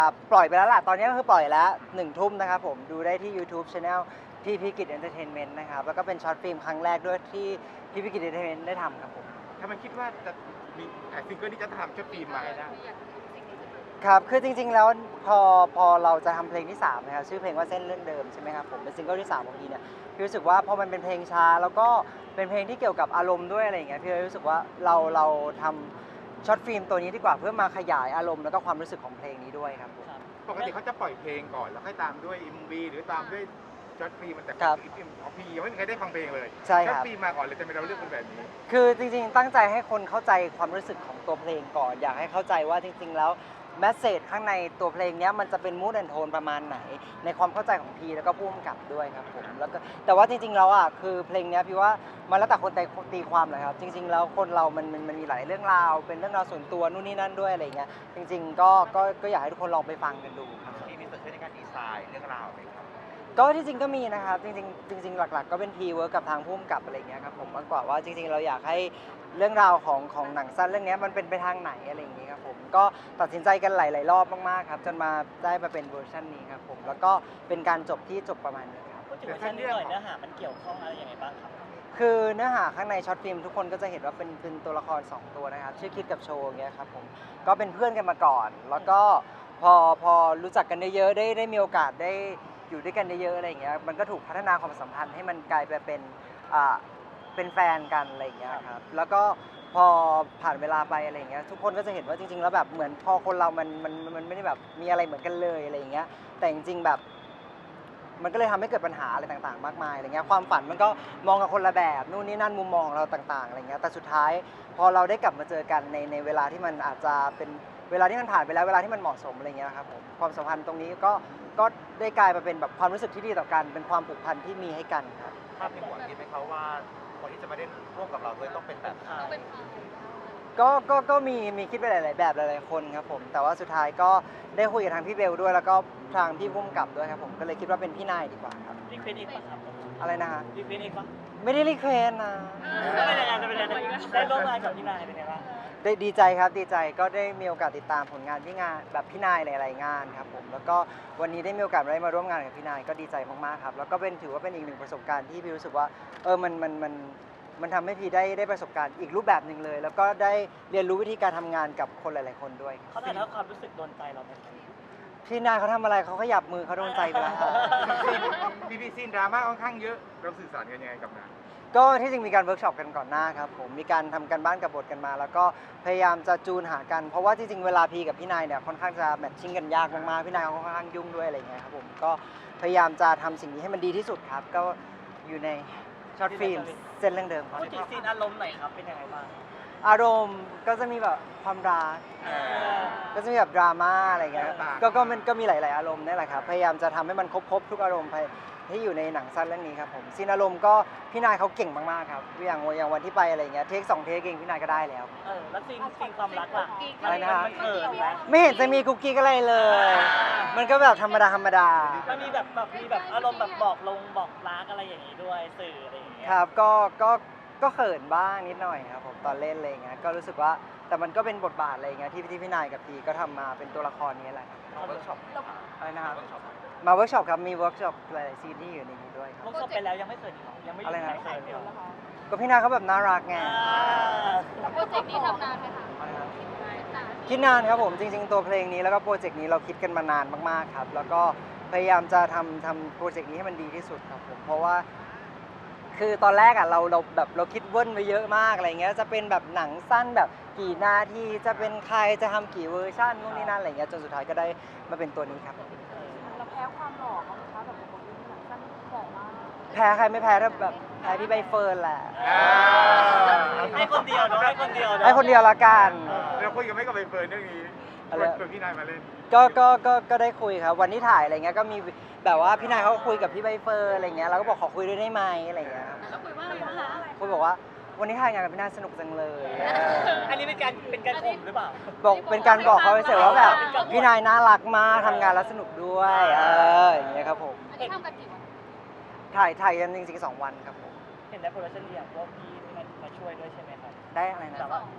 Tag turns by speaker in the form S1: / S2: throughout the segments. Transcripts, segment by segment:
S1: ปล่อยไปแล้วล่ะตอนนี้ก็คือปล่อยแล้ว1 ทุ่มนะครับผมดูได้ที่ YouTube Channel พี่พิกิจเอนเตอร์เทนเมนต์นะครับแล้วก็เป็นช็อตฟิล์มครั้งแรกด้วยที่พี่พิกิจเอนเตอร์เทนเมนต์ได้ทำครับผม
S2: ถ้ามันคิดว่าจะมีซิงเกิลที่จะทำชุดปีใหม่ได้
S1: ครับคือจริงๆแล้วพอเราจะทำเพลงที่3นะครับชื่อเพลงว่าเส้นเรื่องเดิมใช่ไหมครับผมเป็นซิงเกิลที่3ของพี่เนี่ยพี่รู้สึกว่าพอมันเป็นเพลงช้าแล้วก็เป็นเพลงที่เกี่ยวกับอารมณ์ด้วยอะไรอย่างเงี้ยพี่เลยรู้สึกว่าเราทำช็อตฟิล์มตัวนี้ดีกว่าเพื่อมาขยายอารมณ์แล้วก็ความรู้สึกของเพลงนี้ด้วยครับผม
S2: ปกติเขาจะปล่อยเพลงก่อนแล้วค่อยตามด้วย MV หรือตามด้วยช็อตฟิล์มมันแต่ของพี่ยังไม่มีใครได้ฟังเพลงเลย
S1: ใช่ค
S2: ช็อต
S1: รับ
S2: ฟิล์มมาก่อนเลยแต่ไม่เราเลือกเป็นแบบนี้
S1: คือจริงๆตั้งใจให้คนเข้าใจความรู้สึกของตัวเพลงก่อนอยากให้เข้าใจว่าจริงๆแล้วแมสเสจข้างในตัวเพลงนี้มันจะเป็นมูดแอนโทนประมาณไหนในความเข้าใจของพีแล้วก็ผู้กำกับด้วยครับผมแล้วก็แต่ว่าจริงๆแล้วอ่ะคือเพลงนี้พี่ว่ามันแล้วแต่คนตีความเลยครับจริงๆแล้วคนเรามันมีหลายเรื่องราวเป็นเรื่องราวส่วนตัวนู่นนี่นั่นด้วยอะไรเงี้ยจริงๆก็อยากให้ทุกคนลองไปฟังกันดูครับ
S2: ที่มีส่วนช่วยในการดีไซน์เรื่องราวไหมครับ
S1: ก็ที่จริงก็มีนะครับจริงๆหลักๆก็เป็นพีเวิร์กกับทางผู้กำกับอะไรเงี้ยครับผมมากกว่าว่าจริงๆเราอยากให้เรื่องราวของหนังสั้นเรื่องนี้มันเป็นไปทางไหนอะไรอย่างเงี้ยครับผมก็ตัดสินใจกันหลายๆรอบมากๆครับจนมาได้มาเป็นเวอร์ชันนี้ครับผมแล้วก็เป็นการจบที่จบประมาณนี้ครับ
S3: พูดถึงเวอร์ชันนี้หน่อยเนื้อหามันเกี่ยวข้องอะไรยังไงบ้างครับ
S1: คือเนื้อหาข้างในช็อตฟิล์มทุกคนก็จะเห็นว่าเป็นตัวละคร2ตัวนะครับชื่อคิดกับโชว์เงี้ยครับผมก็เป็นเพื่อนกันมาก่อนแล้วก็พอรู้จักกันเยอะๆได้มีโอกาสได้อยู่ด้วยกันเยอะๆอะไรอย่างเงี้ยมันก็ถูกพัฒนาความสัมพันธ์ให้มันกลายไปเป็นแฟนกันอะไรอย่างเงี้ยครับแล้วก็พอผ่านเวลาไปอะไรอย่างเงี้ยทุกคนก็จะเห็นว่าจริงๆแล้วแบบเหมือนพอคนเรามันไม่ได้แบบมีอะไรเหมือนกันเลยอะไรอย่างเงี้ยแต่จริงๆแบบมันก็เลยทำให้เกิดปัญหาอะไรต่างๆมากมายอะไรเงี้ยความฝันมันก็มองกับคนละแบบนู่นนี่นั่นมุมมองของเราต่างๆอะไรเงี้ยแต่สุดท้ายพอเราได้กลับมาเจอกันในเวลาที่มันอาจจะเป็นเวลาที่มันผ่านไปแล้วเวลาที่มันเหมาะสมอะไรเงี้ยครับผมความสัมพันธ์ตรงนี้ก็ได้กลายมาเป็นแบบความรู้สึกที่ดีต่อกันเป็นความผูกพันที่มีให้กันครับ
S2: ภาพในหัวคิดไหมเขาว่าคนที่จะมาเล่นร่วมกับเราด้วยต้องเป็นแบบไหน
S1: ก็มีคิดไปหลายๆแบบหลายๆคนครับผมแต่ว่าสุดท้ายก็ได้คุยกับทางพี่เบลด้วยแล้วก็ทางพี่พุ่มกับด้วยครับผมก็เลยคิดว่าเป็นพี่นายดีกว่าครับ
S3: รีเควสเองปะครับ
S1: อะไรนะฮะ
S3: รีเควสเองปะ
S1: ไม่ได้รีเควสนะ
S3: แล้วเป็นยังไงจะเป็นยังไงได้ร่วมงานกับพี่นายเป็นยังไงบ้าง
S1: ได้ดีใจครับดีใจก็ได้มีโอกาสติดตามผลงานพี่งานแบบพี่นายหลายๆงานครับผมแล้วก็วันนี้ได้มีโอกาสได้มาร่วมงานกับพี่นายก็ดีใจมากๆครับแล้วก็ถือว่าเป็นอีกหนึ่งประสบการณ์ที่พี่รู้สึกว่ามันทำให้พี่ได้ประสบการณ์อีกรูปแบบหนึ่งเลยแล้วก็ได้เรียนรู้วิธีการทำงานกับคนหลายๆคนด้วย
S3: เขาถ่ายทอดความรู้สึกโดนใจเราไหม
S1: พี่นายเขาทำอะไรเขาขยับมือเขาโดนใจไปแล้วครับ
S2: พีซีนดราม่าค่อนข้างเยอะเราสื่อสารกันยังไงกับงาน
S1: ก็ที่จริงมีการเวิร์กช็อปกันก่อนหน้าครับผมมีการทำกันบ้านกับบทกันมา แล้วก็พยายามจะจูนหากันเพราะว่าที่จริงเวลาพีกับพี่นายเนี่ยค่อนข้างจะแมทชิ่งกันยากมากๆพี่นายเขาค่อนข้างยุ่งด้วยอะไรเงี้ยครับผมก็พยายามจะทำสิ่งนี้ให้มันดีที่สุดครับก็อยู่ในช็อตฟิล์มเส้นเรื่องเดิม
S3: พูดถึงซีนอารมณ์หน่อยครับเป็นยังไงบ้าง
S1: อารมณ์ก็จะมีแบบความรักก็จะมีแบบดราม่าอะไรเงี้ยก็มีหลายๆอารมณ์นี่แหละครับพยายามจะทำให้มันครบทุกอารมณ์ที่อยู่ในหนังสั้นเรื่องนี้ครับผมซีนอารมณ์ก็พี่นายเขาเก่งมากๆครับอย่างวันที่ไปอะไรเงี้ยเทค2 เทคเองพี่นายก็ได้แล้ว
S3: แล้วซีนความรักล่ะ
S1: อะไรนะ
S3: มันเขินไหม
S1: ไม่เห็นจะมีกุ๊กกิ๊กอะไรเลย มันก็แบบธรรมดา
S3: มันมีแบบอารมณ์แบบบอกรักอะไรอย่างนี้ด้วยสื่ออะไรอย่างเงี้ย
S1: ครับก็เขินบ้างนิดหน่อยครับผมตอนเล่นอะไรเงี้ยก็รู้สึกว่าแต่มันก็เป็นบทบาทอะไรเงี้ยที่พี่นายกับพีก็ทำมาเป็นตัวละครนี้แหละ
S2: เวิร์กช็อป
S1: อะไรนะครับมาเวิร์กช็อปครับมีเวิร์กช็อปหลายๆซีนที่อยู่ในนี้ด้วย
S3: เวิร์กช็อปไปแล้วยังไม่เขินอีกหรอยังไม่อะไรนะเขินเหรอ
S1: ก็พี่นายเขาแบบน่ารักไง
S4: โปรเจกต์นี้ทำนานไหมคะ
S1: คิดนานครับผมจริงๆตัวเพลงนี้แล้วก็โปรเจกต์นี้เราคิดกันมานานมากๆครับแล้วก็พยายามจะทำโปรเจกต์นี้ให้มันดีที่สุดครับผมเพราะว่าคือตอนแรกอ่ะเราคิดเวิ้นไว้เยอะมากอะไรเงี้ยจะเป็นแบบหนังสั้นแบบกี่นาทีจะเป็นใครจะทำกี่เวอร์ชันนู่นนี่นั่นอะไรเงี้ยจนสุดท้ายก็ได้มาเป็นตัวนี้ครับ
S4: เราแพ้ความหล่อเขาไหมคะแบบบทนี้หนังสั้นหล่อมาก
S1: แพ้ใครไม่แพ้ถ้าแบบแพ้พี่ใบเฟิร์นแหละ
S3: ให้คนเดียวเนาะให้คนเดียว
S1: ให้คนเดียวละกัน
S2: เราคุยกันไม่กับใบเฟิร์นเรื่องนี้ชวนพี่นายมาเล่น
S1: ก็ได้คุยครับวันที่ถ่ายอะไรเงี้ยก็มีแบบว่าพี่นายเขาคุยกับพี่ใบเฟิร์นอะไรเงี้ยเราก็บอกขอคุยด้วยได้ไหมอะไรเงี้ย
S4: แล้วคุยว่าอะไรคะ
S1: คุยบอกว่าวันนี้ถ่ายงานกับพี่นายสนุกจังเลย
S3: อันนี้เป็นการข่มหรือเปล่า
S1: บอกเป็นการบอกเขาเฉยๆว่าแบบพี่นายน่ารักมากทำงานแล้วสนุกด้วยอย่างเงี้ยครับผม
S4: อันนี้ทำกันกี่วัน
S1: ถ่ายกันจริงๆ2 วันครับผม
S3: เห็นได้โปรดักชั่นเดียวว่าพี่มาช่วยด้วยใช่ไหมครับ
S1: ได้อะไรนะ
S3: แต่ว่า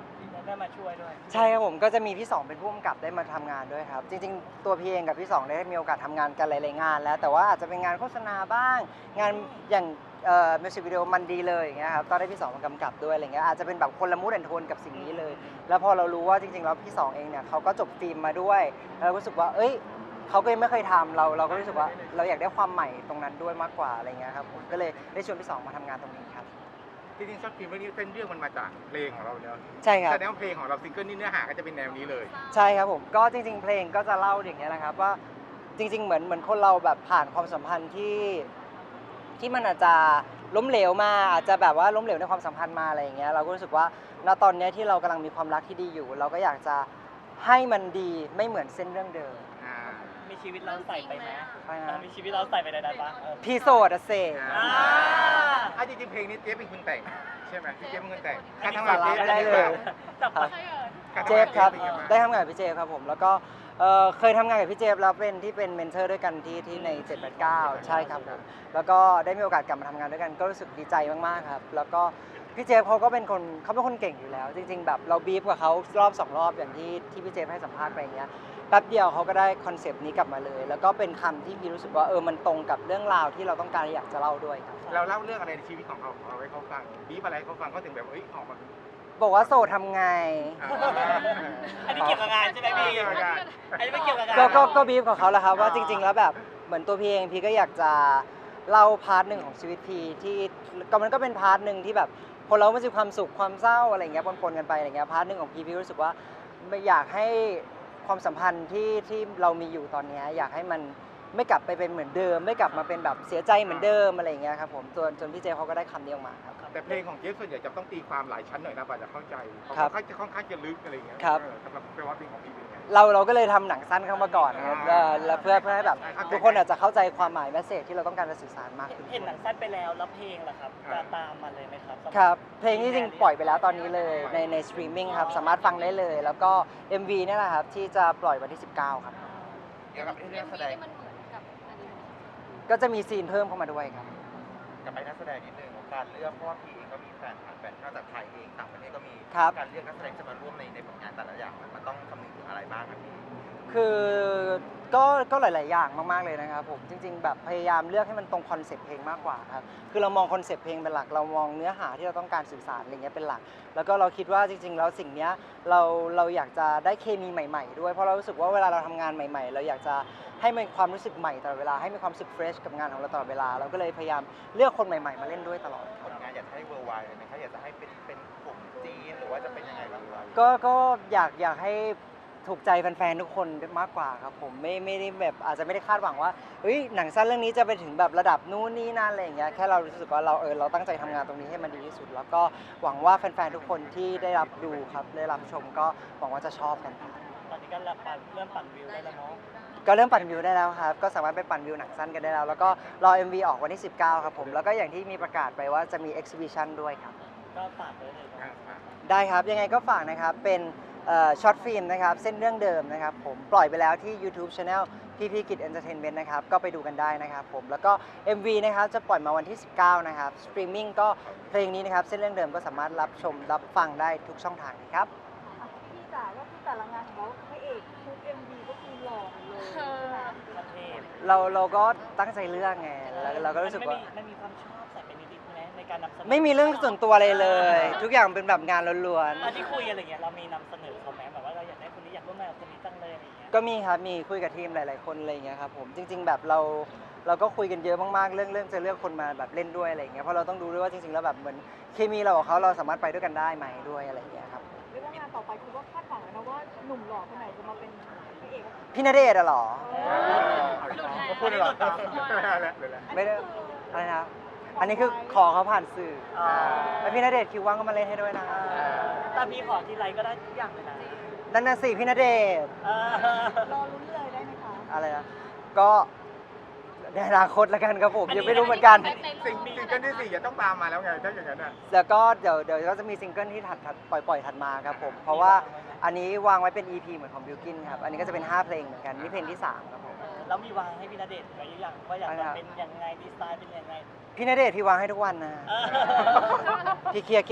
S3: ได้มาช่วยด้วย
S1: ใช่ครับผมก็จะมีพี่สองเป็นผู้กำกับได้มาทำงานด้วยครับจริงๆตัวพี่เองกับพี่สองได้มีโอกาสทำงานกันหลายๆงานแล้วแต่ว่าอาจจะเป็นงานโฆษณาบ้างงานอย่างมิวสิกวิดีโอมันดีเลยอย่างเงี้ยครับก็ได้พี่สองมากำกับด้วยอะไรเงี้ยอาจจะเป็นแบบคนละมูดแอนโทนกับสิ่งนี้เลย แล้วพอเรารู้ว่าจริงๆแล้วพี่สองเองเนี่ยเขาก็จบฟิล์มมาด้วยแล้วเรารู้สึกว่าเอ้ยเขาก็ยังไม่เคยทำเราก็รู้สึกว่าเราอยากได้ความใหม่ตรงนั้นด้วยมากกว่าอะไรเงี้ยครับผมก็เลยได้ชวนพี่สองมาทำงานตรงนี้ครับ
S2: จริงๆช็อตฟิล์มเรื่องนี้เส้นเรื่องมันมาจากเพลงของเราเนอะ
S1: ใช่ครับ
S2: แสดงว่าเพลงของเราซิงเกิลนี่เนื้อหาก็จะเป็นแนวนี้เลย
S1: ใช่ครับผมก็จริงๆเพลงก็จะเล่าอย่างเงี้ยนะครับว่าจริงๆเหมือนคนเราแบบผ่านความสัมพันธ์ที่มันอาจจะล้มเหลวมาอาจจะแบบว่าล้มเหลวในความสัมพันธ์มาอะไรอย่างเงี้ยเราก็รู้สึกว่าณตอนเนี้ยที่เรากำลังมีความรักที่ดีอยู่ เราก็อยากจะให้มันดีไม่เหมือนเส้นเรื่องเดิม
S3: มีชีวิตเราใส่ไปไหม
S1: ใช่ครับ
S3: มีชีวิตเราใส่ไปในนั้นปะ
S1: พี่โสดอะเซ
S3: อ่า
S2: จริงๆเพลงนี้เจ๊เป็นคนแต่งใช่ไหมพี่เจ๊เป็นคนแต่ง
S1: อันนี้สาระไม่ได้เลย
S3: จับ
S1: ครับ
S2: การ
S1: เจ
S2: ทำงาน
S1: ฟครับ
S2: เป็นยังไงาง
S1: ได้ทำงานกับพี่เจฟครับผมแล้วก็เคยทำงานกับพี่เจฟแล้วเป็นที่เป็นเมนเทอร์ด้วยกันที่ใน 789 ใช่ครับผมแล้วก็ได้มีโอกาสกลับมาทำงานด้วยกันก็รู้สึกดีใจมากๆครับแล้วก็พี่เจฟเขาก็เป็นคนเก่งอยู่แล้ว จริงๆแบบเราบีฟกับเขารอบ2 รอบอย่างที่พี่เจฟให้สัมภาษณ์ไปอย่างเงี้ยแป๊บเดียวเขาก็ได้คอนเซปต์นี้กลับมาเลย แล้วก็เป็นคำที่พี่รู้สึกว่ามันตรงกับเรื่องราวที่เราต้องการอยากจะเล่าด้วยครับ
S2: เราเล่าเรื่องอะไรในชีวิตของเราให้เขาฟังบีบอะไรให้เขาฟังเขาถึงแบบออกมาเป็น
S1: บอกว่าโสดทำไง
S3: อันนี้เกี่ยวกับงานใช่ไหมพี่
S2: เกี่ยวกับงาน
S3: อันนี้ไม่เกี่ยวกับงาน
S1: ก็บีฟกับเขาแหละครับว่าจริง ๆ แล้วแบบเหมือนตัวพี่เองพี่ก็อยากจะเล่าพาร์ทหนึ่งของชีวิตพี่ที่ก็มันก็เป็นพาร์ทหนึ่งที่แบบคนเรามันจะมีความสุขความเศร้าอะไรอย่างเงี้ยปนๆกันไปอะไรเงี้ยพาร์ทหนึ่งของพี่รู้สึกว่าไม่อยากให้ความสัมพันธ์ที่เรามีอยู่ตอนเนี้ยอยากให้มันไม่กลับไปเป็นเหมือนเดิม ไม่กลับมาเป็นแบบเสียใจเหมือนเดิมอะไรอย่างเงี้ยครับผมจนพี่เจเขาก็ได้คำนี้ออกมาครับ
S2: แต่เพลงของเจ๊ส่วนใหญ่จะต้องตีความหลายชั้นหน่อยนะกว่าจะเข้าใจ
S1: ครับ
S2: ค่อนข้างจะลึกอะไรอย่างเงี้ย
S1: ครับ
S2: สำหรับเพลงว่าเพลงของพี่เป็นไง
S1: เราก็เลยทำหนังสั้นเข้ามาก่อนนะครับแล้วเพื่อให้แบบทุกคนอาจจะเข้าใจความหมายแมสเซจที่เราต้องการจะสื่อสารมากขึ้น
S3: เห็นหนังสั้นไปแล้วแล้วเพลงล่ะครับจะตามมาเลยไหมครับ
S1: ครับเพลงนี้จริงปล่อยไปแล้วตอนนี้เลยในสตรีมมิ่งครับสามารถฟังได้เลย แล้วก็ MV เนี่ยแหละครับที่จะปล่อยวันที่ 19 ครับ
S2: เกี่ยวกับเรื่องแสดง
S4: มันเหมือนกับอันนี้
S1: ก็จะมีซีนเพิ่มเข้ามาด้วยครับ
S5: กับไปนักแสดงนิดนึงการเลือกเพราะว่าพี่เองก็มีแฟนนอกจากไทยเองต่างประเทศก็มี
S1: ครับ
S5: การเลือกนักแสดงจะมาร่วมในผลงานแต่ละอย่างมันต้องคำนึงถึงอะไรบ้างครับพี่
S1: คือก็หลาย ๆ อย่างมาก ๆ เลยนะครับผมจริง ๆ แบบพยายามเลือกให้มันตรงคอนเซ็ปต์เพลงมากกว่าครับคือเรามองคอนเซ็ปต์เพลงเป็นหลักเรามองเนื้อหาที่เราต้องการสื่อสารอะไรเงี้ยเป็นหลัก แล้วก็เราคิดว่าจริง ๆ แล้วสิ่งเนี้ยเราอยากจะได้เคมีใหม่ ๆ ด้วยเพราะเรารู้สึกว่าเวลาเราทำงานใหม่ ๆ เราอยากจะให้มีความรู้สึกใหม่ตลอดเวลาให้มีความรู้สึกเฟรชกับงานของเราตลอดเวลาเราก็เลยพยายามเลือกคนใหม่ ๆ มาเล่นด้วยตลอด
S5: ผลงานอยากให้เวอร์ไวเลยนะครับอยากจะให้เป็นกลุ่มจีนหรือว่าจะเป็นยังไงบ้างครับ
S1: ก็อยากให้ถูกใจแฟนๆทุกคนมากกว่าครับผมไม่ได้แบบอาจจะไม่ได้คาดหวังว่าเฮ้ยหนังสั้นเรื่องนี้จะไปถึงแบบระดับนู้นนี่นั่นอะไรอย่างเงี้ยแค่เรารู้สึกว่าเราตั้งใจทำงานตรงนี้ให้มันดีที่สุด แล้วก็หวังว่าแฟนๆทุกคนที่ได้รับดูครับได้รับชมก็หวังว่าจะชอบกันครับ
S3: ตอนนี้ก็เริ่มปั่นวิวได้แล้วเนาะ
S1: ก็เริ่มปั่นวิวได้แล้วครับก็สามารถไปปั่นวิวหนังสั้นกันได้แล้วแล้วก็รอ MV ออกวันที่ 19 ครับผมแล้วก็อย่างที่มีประกาศไปว่าจะมี exhibition ด้วยครับ
S3: ก็ฝากไว้เลยเนาะ
S1: ได้ครับยังไงก็ฝากนะครับเป็นช็อตฟิล์มนะครับเส้นเรื่องเดิมนะครับผมปล่อยไปแล้วที่ YouTube Channel พี่กิจ Entertainment นะครับก็ไปดูกันได้นะครับผมแล้วก็ MV นะครับจะปล่อยมาวันที่ 19 นะครับสตรีมมิ่งก็เพลงนี้นะครับเส้นเรื่องเดิมก็สามารถรับชมรับฟังได้ทุกช่องทางเลยครับ
S4: พี่จ๋าก็คือแต่ละงานของเราพระเอกทุก MV ก็คือหล่อเลยใช่ไหม
S3: ประเทศ
S1: เราก็ตั้งใจเลือกไงแล้วเราก็รู้สึกว่า
S3: มันมีความชอบใส่ไปนิดๆไหมในการนำเสนอ
S1: ไม่มีเรื่องส่วนตัวอะไรเลย ทุกอย่างเป็นแบบงานล้วน
S3: ตอนที่คุยอะไรเงี้ยเรามีนำเสนอเขาไหมแบบว่าเราอยากได้คนนี้อยากร่วมงานกับคนนี้จังเลยอะไรเงี้ย
S1: ๆก็มีครับมีคุยกับทีมหลายๆคนอะไรอย่างเงี้ยครับผมจริง ๆ แบบเราก็คุยกันเยอะมากๆเรื่องจะเลือกคนมาแบบเล่นด้วยอะไรอย่างเงี้ยเพราะเราต้องดูด้วยว่าจริงๆแล้วแบบเหมือนเคมีเรากับเขาเราสามารถไปด้วยกันได้ไหมด้วยอะไรอย่างเงี้ยครับ
S4: เรียกว่างานต่อไปคือว่าคาดหวังเลยนะว่าหนุ่มหล่อคนไหนจะมาเป็นพระเอก
S1: พี่ณเดชน์อะเหรอ
S2: เขาพูดเลยเหรอไม่ได้แล้ว
S1: ไม่ได้อะไรนะอันนี้คือขอเขาผ่านสื่อแล้วพี่ณเดชน์คิวว่างก็มาเล่นให้ด้วยนะ
S3: แต่พี่ขอทีไรก็ได้ทุกอย่างเลยนะ
S1: นั่นน่ะสิพี่ณเดชน์
S4: รอลุ้นเลยได้ไหมคะ
S1: อะไรนะก็ในอนาคตแล้วกันครับผมยังไม่รู้เหมือนกัน
S2: สิ่งเกิลที่4จะต้องตามมาแล้วไงถ้าอย่างนั้นอ่ะ
S1: แล้วก็เดี๋ยวก็จะมีซิงเกิลที่ปล่อยถัดมาครับผมเพราะว่าอันนี้วางไว้เป็น EP เหมือนของบิลกินครับอันนี้ก็จะเป็น5เพลงเหมือนกันนี่เพลงที่3ครับผม
S3: แล้วมีวางให้พี่ณเดชน์ไว้หรือยังว่าอยากจะเป็นยังไงดีไซน์เป็นยังไง
S1: พี่ณเดชน์พี่วางให้ทุกวันนะ พี่เคลียร์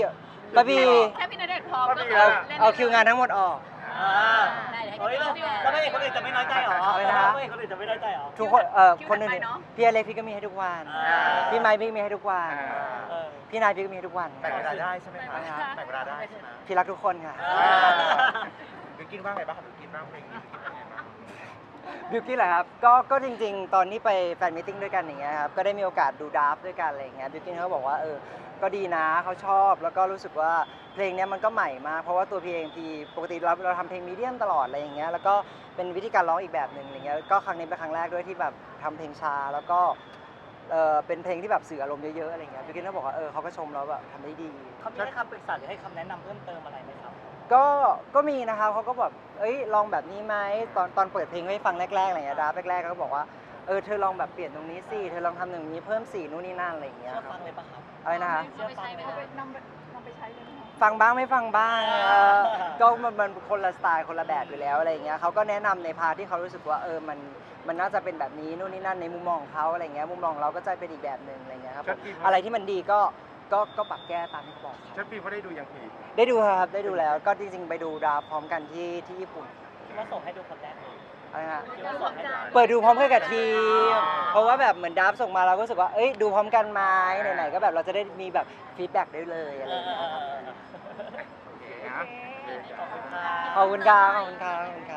S1: ป้าบี
S6: แค่พี่ณเดชน์พร้อมก็
S1: เอาคิวงานทั้งหมดออก
S3: เฮ้ยแล้วไม่เห็นคนอื่นจะไม่น้อยใจหรอ
S1: อะไรนะ
S3: ไม่เห็นคนอื่นจะไม่น้อยใจหรอ
S1: ทุกคนคนอื่นๆพี่อเล็กพี่ก็มีให้ทุกวัน พี่ไมค์พี่มีให้ทุกวัน
S3: เออ
S1: พี่นายพี่ก็มีให้ทุกวัน
S5: แบ่งเวลาได้ใช่ไหมคะแบ่งเวลาได้ใช่ไหม
S1: พี่รักทุกคนค่ะ
S5: บิวกินว่าไงบ้างครับบิวกินบ้างเพลงนี้บิวกินว่าไงบ้าง
S1: บิวกี้นเหรอครับก็จริงๆ ตอนนี้ไปแฟนมิทติ้งด้วยกันอย่างเงี้ยครับก็ได้มีโอกาสดูดราฟต์ด้วยกันอะไรอย่างเงี้ยบิวกี้นเขาบอกว่าก็ดีนะเขาชอบแล้วก็รู้สึกว่าเพลงเนี้ยมันก็ใหม่มากเพราะว่าตัวพี่เองพี่ปกติเราทำเพลงมีเดียมตลอดอะไรอย่างเงี้ยแล้วก็เป็นวิธีการร้องอีกแบบหนึ่งอะไรเงี้ยก็ครั้งนี้เป็นครั้งแรกด้วยที่แบบทำเพลงช้าแล้วก็เป็นเพลงที่แบบสื่ออารมณ์เยอะๆอะไรเงี้ยบิวกี้นเขาบอกว่าเขาก็ชมเราแบบทำได้ดี
S3: เขามีให้คำปรึกษาหรือให้คำแนะนำเพิ่มเติมอะไรไหมครับ
S1: ก็มีนะครับเขาก็แบบลองแบบนี้ไหมตอนเปิดเพลงให้ฟังแรกๆอะไรอย่างเงี้ยดาแรกๆเขาก็บอกว่าเธอลองแบบเปลี่ยนตรงนี้สิเธอลองทำตรงนี้เพิ่มสีนู่นนี่นั่นอะไรอย่างเงี้ย
S3: เชื่อ
S1: ครั
S3: ฟั
S1: บ
S3: งเลยปะครับ
S1: อะไรนะคะ
S3: เชื่อฟังไหม
S4: เอา
S3: ค
S4: ไป
S3: รับ
S4: นำไปใช้เลยไหมคะ
S1: ฟังบ้างไม่ฟังบ้างก็มันคนละสไตล์คนละแบบอยู่แล้วอะไรอย่างเงี้ยเขาก็แนะนำในพาร์ทที่เขารู้สึกว่ามันน่าจะเป็นแบบนี้นู่นนี่นั่นในมุมมองของเขาอะไรเงี้ยมุมมองเราก็จะเป็นอีกแบบหนึ่งอะไรเงี้ยครับผมอะไรที่มันดีก็ปรับแก้ตามที่เขาบอก
S2: ช็อตฟิล์มเขาได้ดูยังพี่
S1: ได้ดูครับได้ดูแล้วก็จริงๆไปดูดราฟต์พร้อมกันที่ญี่ปุ่น
S3: คิดว่าส่งให้ดูคนแรกเลย
S1: อะไรฮะ
S3: คิดว่าส่งให้ดู
S1: เปิดดูพร้อมกันกับทีมเพราะว่าแบบเหมือนดับส่งมาเราก็รู้สึกว่าดูพร้อมกันไหมไหนๆก็แบบเราจะได้มีแบบฟีดแบ็กได้เลยอะไรอย่างเงี้ยครับ
S2: โอเคนะ
S3: ขอบคุณครับ
S1: ขอบคุณครับ